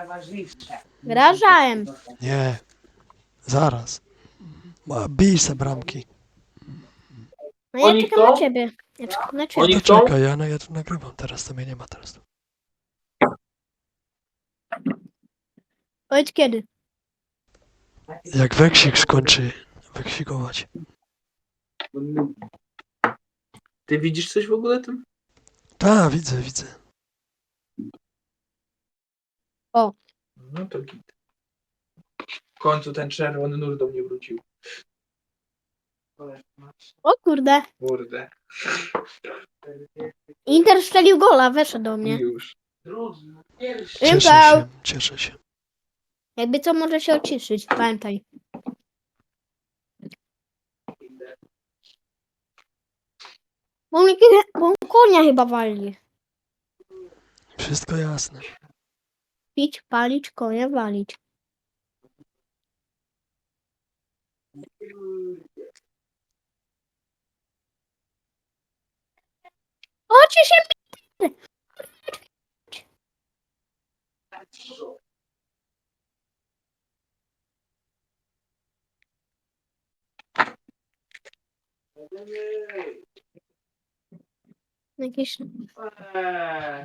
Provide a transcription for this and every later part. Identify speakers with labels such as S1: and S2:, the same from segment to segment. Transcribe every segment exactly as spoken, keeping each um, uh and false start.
S1: Wyrażałem.
S2: Nie. Zaraz. Ma- Bij se bramki.
S1: No ja
S3: Oni
S1: czekam na
S3: chcą?
S1: ciebie. Ja czekam na
S3: Oni
S1: ciebie.
S2: To
S3: chcą?
S2: czekaj, ja, no, ja tu nagrywam teraz, to mnie nie ma teraz.
S1: Powiedz kiedy.
S2: Jak weksik skończy weksikować.
S3: Ty widzisz coś w ogóle tym?
S2: Tak, widzę, widzę.
S3: No to git. W końcu ten czerwony nur do mnie wrócił.
S1: O kurde.
S3: Kurde.
S1: Inter strzelił gola, weszedł do mnie.
S3: Już.
S2: Cieszę
S1: Impał.
S2: się, cieszę się.
S1: Jakby co, może się ociszyć. Pamiętaj. Bo mnie bo on konia chyba wali.
S2: Wszystko jasne.
S1: Pić, palić, konia walić. Ocie się. Jakieś...
S3: Eee.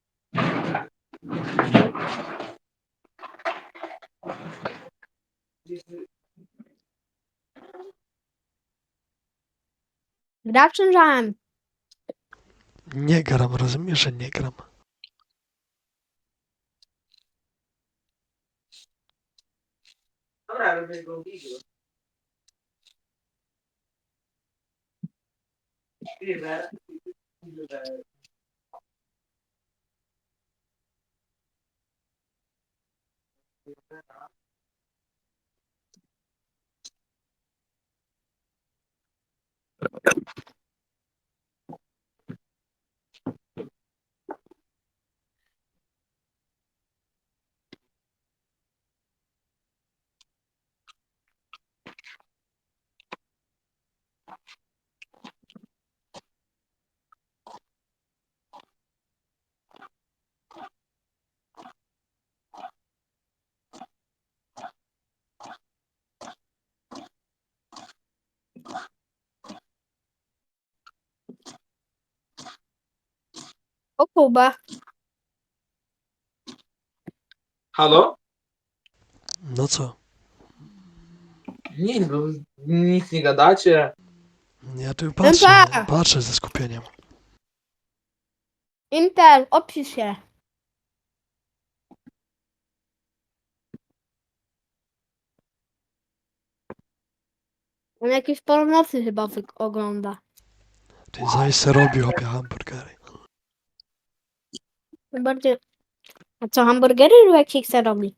S1: Gra czynżałem.
S2: Nie gram, rozumiesz, że nie gram.
S3: Dobra, robię go widzę.
S1: O Kuba.
S3: Halo?
S2: No co?
S3: Nic, bo nic nie gadacie.
S2: Ja tu patrzę,
S1: Impał.
S2: patrzę ze skupieniem.
S1: Inter, opisz się. On jakieś pornocy chyba wy- ogląda.
S2: Ty zaś se robi, chłopie, hamburgery.
S1: Bardziej... A co, hamburgery lub jak się chce robi?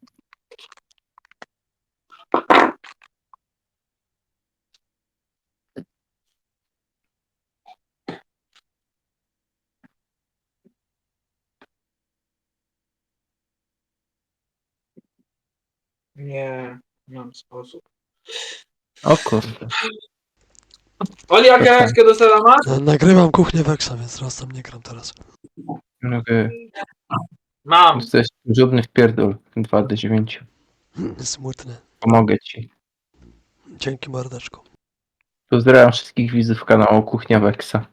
S3: Nie, nie mam sposób.
S4: O kurde.
S3: Oli, a gałeczkę do sera masz?
S2: No, nagrywam kuchnię Weksa, więc raz tam nie gram teraz.
S4: Mogę.
S3: Mam.
S4: To jest żadny wpierdol. dwa do dziewięciu.
S2: Smutne.
S4: Pomogę ci.
S2: Dzięki mordeczku.
S4: Pozdrawiam wszystkich widzów kanału Kuchnia Weksa.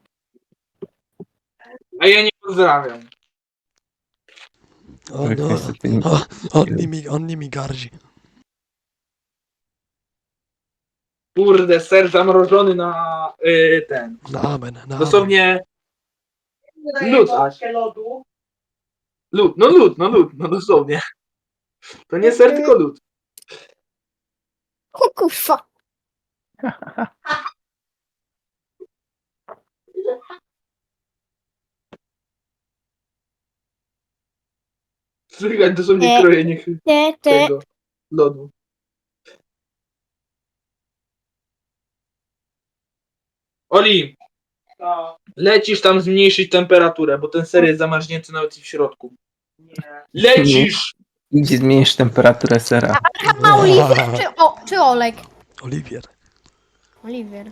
S3: A ja nie pozdrawiam.
S2: On,
S4: Tak,
S2: no,
S4: niestety nie.
S2: o, on, nimi, on nimi gardzi.
S3: Kurde, ser zamrożony na y, ten.
S2: Na amen, na amen.
S3: Dosłownie lód aż. Lód, no lód, no lód, no dosłownie. To nie ser, tylko lód.
S1: O kurwa.
S3: Słychać dosłownie
S1: E.
S3: krojenie ch-
S1: Te, te.
S3: tego lodu. Oli, lecisz tam zmniejszyć temperaturę, bo ten ser jest zamarznięty nawet w środku. Lecisz!
S4: Idź zmniejsz temperaturę sera.
S1: A Oliwier czy, o, czy Olek?
S2: Oliwier.
S1: Oliwier.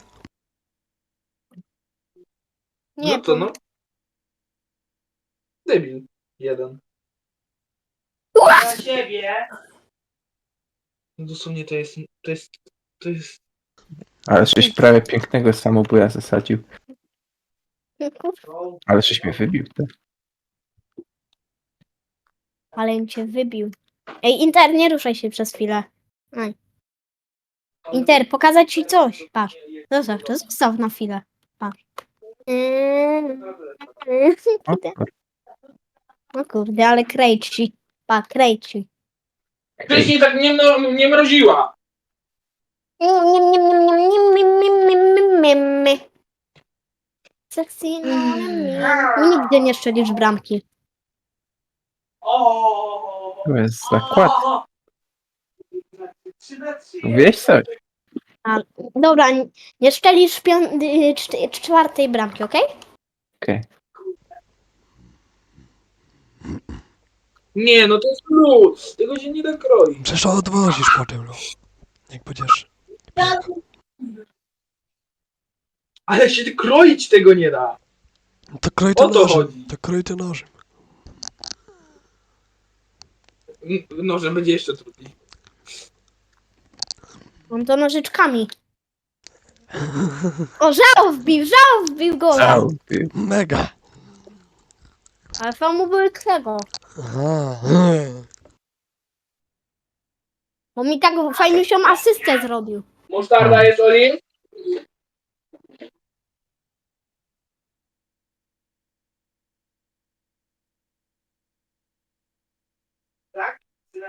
S1: Nie,
S3: No to
S1: to...
S3: no. Debil. Jeden. na siebie. No dosłownie to jest, to jest, to jest...
S4: Ale żeś prawie pięknego samobuja zasadził. Ale żeś mnie wybił. Tak?
S1: Ale im cię wybił. Ej, Inter, nie ruszaj się przez chwilę. Aj. Inter, pokazać ci coś. Patrz. Zostaw to, zostaw na chwilę. Patrz.
S4: O, kur-
S1: No kurde, ale krejci. Pa, krejci.
S3: Wcześniej tak nie, no, nie mroziła.
S1: Sexy, no, nigdy nie strzelisz bramki.
S3: O.
S4: To jest zakład. Wiesz coś?
S1: A, dobra, nie- nie strzelisz pią- y, czt- czwartej bramki, okej?
S4: Okej.
S3: Nie, no to jest lód. Tego się nie da kroić.
S2: Przecież to odwozisz potem, no. Jak będziesz... biegł.
S3: Ale się kroić tego nie da.
S2: No to kroj
S3: O
S2: to
S3: to
S2: nożem.
S3: chodzi.
S2: To kroj to nożem.
S3: N- Nożem będzie jeszcze trudniej.
S1: Mam to nożyczkami. O, żał wbił, żał wbił gola.
S4: Au, ty.
S2: Mega.
S1: Ale to mu były tego.
S2: Aha.
S1: Bo mi tak fajniusią asystę zrobił.
S3: Musztarda jest, Oli? Tak?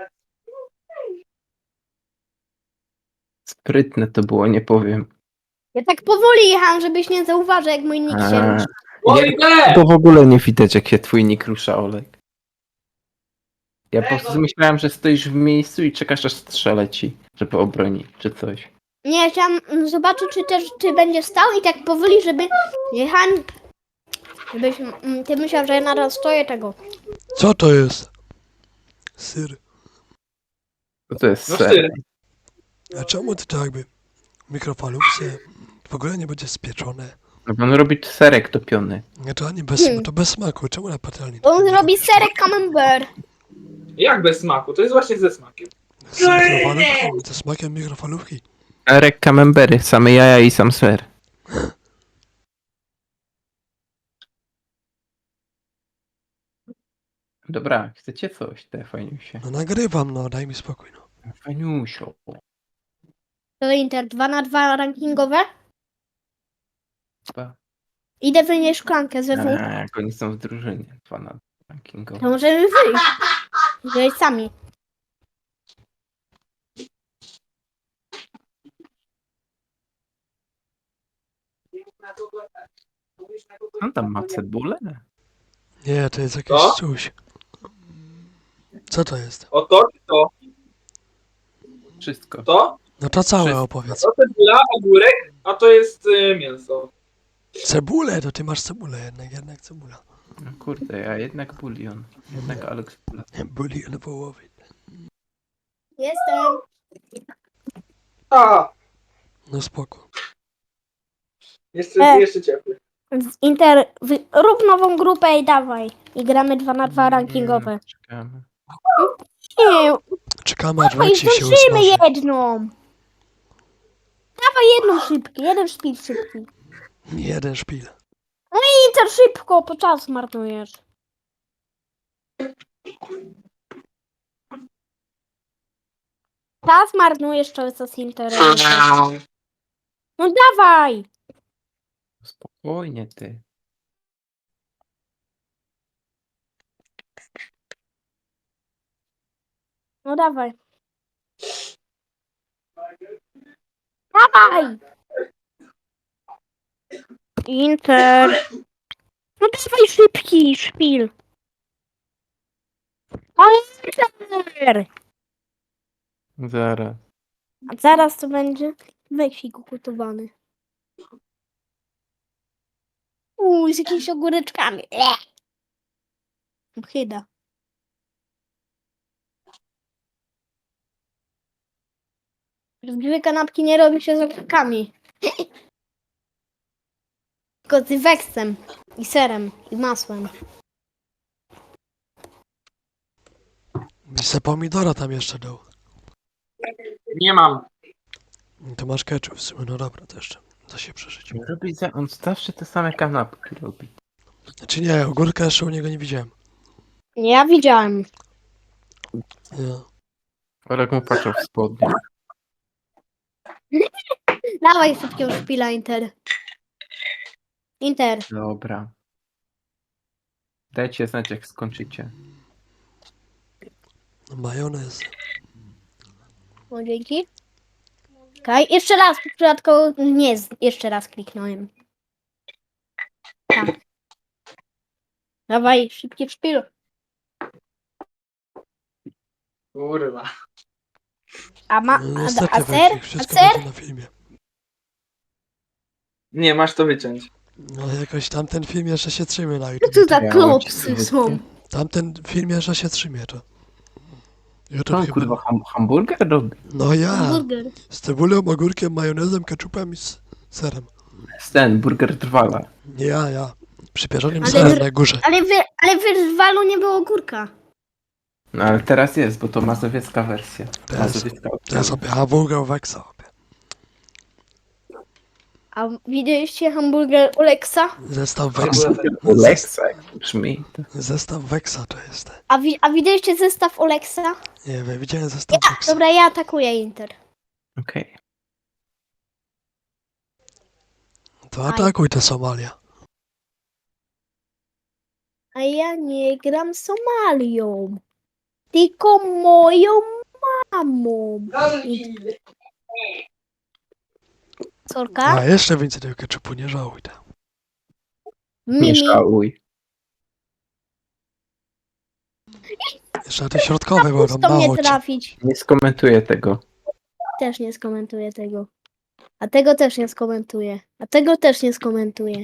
S4: Sprytne to było, nie powiem.
S1: Ja tak powoli jechałam, żebyś nie zauważył, jak mój nick się
S4: A,
S1: rusza.
S3: Oli, B!
S4: to w ogóle nie widać, jak się twój nick rusza, Olek. Ja po prostu myślałem, że stoisz w miejscu i czekasz, aż strzelę ci, żeby obronić, czy coś.
S1: Nie, chciałam mm, zobaczyć, czy też czy będzie stał i tak powoli, żeby jechałem. Żebyś mm, ty myślał, że ja naraz stoję tego.
S2: Co to jest? Syr.
S4: To, to jest
S3: No
S4: ser.
S3: syr.
S2: A czemu to tak jakby w mikrofalówce w ogóle nie będzie spieczone?
S4: No bo on robi serek topiony.
S2: Nie, to ani bez,
S1: Hmm.
S2: to bez smaku. Czemu na patelni?
S1: On
S2: nie
S1: zrobi
S2: robisz?
S1: serek camembert.
S3: Jak bez smaku? To jest właśnie ze smakiem.
S2: Z mikrofalówką, ze smakiem mikrofalówki.
S4: Serek camembery, same jaja i sam ser. Dobra, chcecie coś, te fajniusie.
S2: No nagrywam, no, daj mi spokój, no.
S4: Fajniusio.
S1: To Inter dwa na dwa rankingowe.
S4: Chyba.
S1: Idę wynieść szklankę ze wód.
S4: A, jak oni są w drużynie. Dwa na rankingowe.
S1: To możemy wyjść. Wyjść sami.
S4: On tam ma cebulę?
S2: Nie, to jest jakieś
S3: Co?
S2: coś. Co to jest?
S3: O to czy to?
S4: Wszystko.
S3: To?
S2: No to całe
S4: Wszystko.
S2: opowiedz.
S3: To cebula, ogórek, a to jest y, mięso.
S2: Cebulę, to ty masz cebulę jednak, jednak cebula.
S4: No kurde, ja jednak bulion. Jednak Alex Bula.
S2: Bulion wołowy.
S1: Jestem.
S3: A,
S2: No spoko.
S3: jeszcze,
S1: E.
S3: jeszcze ciepły.
S1: Inter, wy, rób nową grupę i dawaj. I gramy dwa na dwa rankingowe.
S4: Czekamy.
S1: Nie,
S2: Czekamy aż
S1: dawaj,
S2: Lexi się
S1: zdążymy
S2: usmaży.
S1: jedną. Dawaj jedną szybki, jeden szpil szybki.
S2: Jeden szpil.
S1: Inter, szybko, po czas marnujesz. Czas marnujesz cały czas Interem. No dawaj.
S4: Spokojnie ty.
S1: No dawaj. Dawaj. Inter. No dawaj szybki szpil. Inter.
S4: Zaraz.
S1: A zaraz to będzie weksik ugotowany. Uuu, z jakimiś ogóreczkami. Ech. Chyba. Prawdziwe kanapki nie robi się z ogórkami. Tylko z weksem. I serem. I masłem.
S2: Byś se pomidora tam jeszcze dał.
S3: Nie mam.
S2: To masz ketchup w sumie, no dobra, to jeszcze da się przeżyć.
S4: Robi za... On zawsze te same kanapki robi.
S2: Znaczy nie, ogórka jeszcze u niego nie widziałem.
S1: Ja widziałem.
S2: Ja.
S4: Olek mu patrzył w spodnie.
S1: Dawaj szybkiego szpila, Inter. Inter.
S4: Dobra. Dajcie znać, jak skończycie.
S2: Majonez.
S1: O, dzięki. Okej, jeszcze raz, przypadkowo nie, z- jeszcze raz kliknąłem. Tak. Dawaj, szybki szpil.
S3: Kurwa.
S1: A ma,
S2: No
S1: a,
S2: niestety,
S1: a ser?
S2: Wojciech,
S1: A
S2: wszystko
S1: ser?
S2: będzie na filmie.
S3: Nie, masz to wyciąć.
S2: No jakoś tamten film jeszcze się trzymie na
S1: Co
S2: YouTube.
S1: tu za
S4: Ja
S1: klopsy
S4: ojciec,
S1: są?
S2: Tamten film jeszcze się trzymie, to. YouTube
S4: On
S2: chyba.
S4: kurwa ham hamburger robi.
S2: No ja.
S1: Hamburger.
S2: Z cebulą, ogórkiem, majonezem, ketchupem i z serem.
S4: Ten burger trwala.
S2: Nie ja, ja. Przypierzonym
S1: Ale
S2: serem
S1: wy-
S2: na górze.
S1: Ale, wy, ale w Rywwalu nie było ogórka.
S4: No ale teraz jest, bo to mazowiecka wersja.
S2: Teraz-
S4: Mazowiecka
S2: To jest sobie hamburger Wexa.
S1: A widzieliście hamburger Oleksa?
S2: Zestaw
S3: Cebula
S2: Wexa.
S3: też.
S4: Leksa, jak brzmi. To...
S2: Zestaw Wexa to jest.
S1: A, wi, a widzieliście zestaw Oleksa?
S2: Nie wiem, widziałem zestaw Wexa.
S1: Dobra, ja atakuję Inter.
S4: Okej.
S2: To atakuj tę Somalię.
S1: A ja nie gram Somalią. Tylko moją mamą. Sorka?
S2: A jeszcze więcej tego ketchupu, nie żałuj. tam.
S4: Nie
S1: Mimi.
S4: żałuj.
S2: Jeszcze na te środkowe, bo tam
S1: Pusto mnie
S2: mało ci.
S1: trafić.
S4: Nie skomentuję tego.
S1: Też nie skomentuję tego. A tego też nie skomentuję. A tego też nie skomentuję.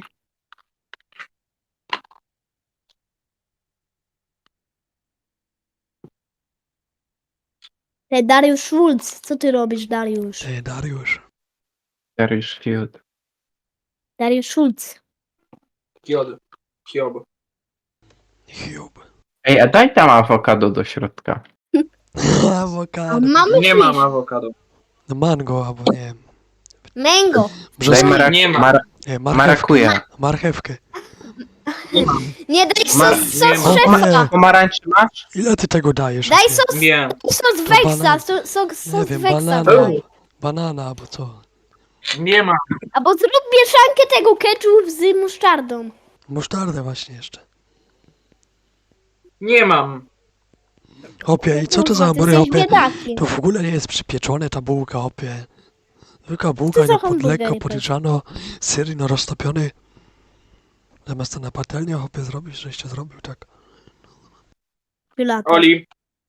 S1: Te Dariusz Schulz, co ty robisz, Dariusz?
S2: Ty, Dariusz.
S4: Dariusz Field.
S1: Dariusz Schulz.
S3: Kiod. Kiob.
S2: Hube.
S4: Ej, a daj tam awokado do środka.
S1: A
S2: Awokado.
S1: mamy
S3: Nie
S1: fish.
S3: mam awokado.
S2: No mango, albo nie wiem.
S1: Mango.
S4: Daj
S2: Brzosk...
S4: marak
S3: Nie ma.
S4: mara
S2: Nie, marchewkę.
S4: marakuja.
S2: Marchewkę.
S1: Nie, daj
S4: Mar-
S1: sos,
S3: nie
S1: sos
S3: ma.
S1: szefa.
S4: Pomarańczy masz?
S2: Ile ty tego dajesz?
S1: Daj
S2: Opie?
S1: sos,
S3: Wiem.
S1: sos
S2: To
S1: Weksa.
S2: banan-
S1: Sos, sos,
S2: Nie
S1: sos
S2: wiem,
S1: Weksa
S2: banana.
S1: daj.
S2: Banana, albo co?
S3: Nie ma.
S1: Albo zrób mieszankę tego ketchup z musztardą.
S2: Musztardę właśnie jeszcze.
S3: Nie mam.
S2: Opie, i co to za
S1: Kurwa, ty
S2: hamburger,
S1: jesteś
S2: opie?
S1: biedakiem.
S2: To w ogóle nie jest przypieczone ta bułka, opie. Zwykła bułka,
S1: za
S2: no pod
S1: hamburgery
S2: lekko
S1: to?
S2: podliczano, syr no roztopiony. Zamiast to na patelnię, opie, zrobić, żeście zrobił, tak.
S1: Pilates.
S3: Oli.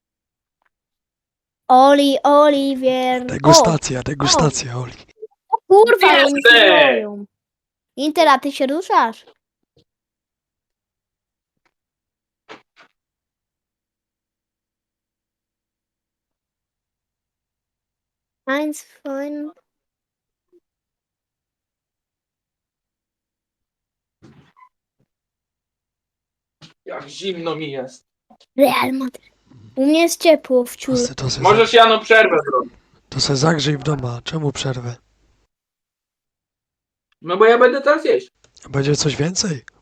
S1: Oli, Oliwier.
S2: Degustacja, degustacja, Oli.
S1: O, kurwa,
S3: Nie
S1: oni
S3: chcę.
S1: się boją. Inter, a ty się ruszasz? Eins, fine.
S3: Jak zimno mi jest.
S1: Real Madrid. U mnie jest ciepło w
S2: To
S1: ciur.
S2: se, to se,
S3: Możesz Jano przerwę zrobić.
S2: to se zagrzej w doma. Czemu przerwę?
S3: No bo ja będę teraz jeść.
S2: Będzie coś więcej?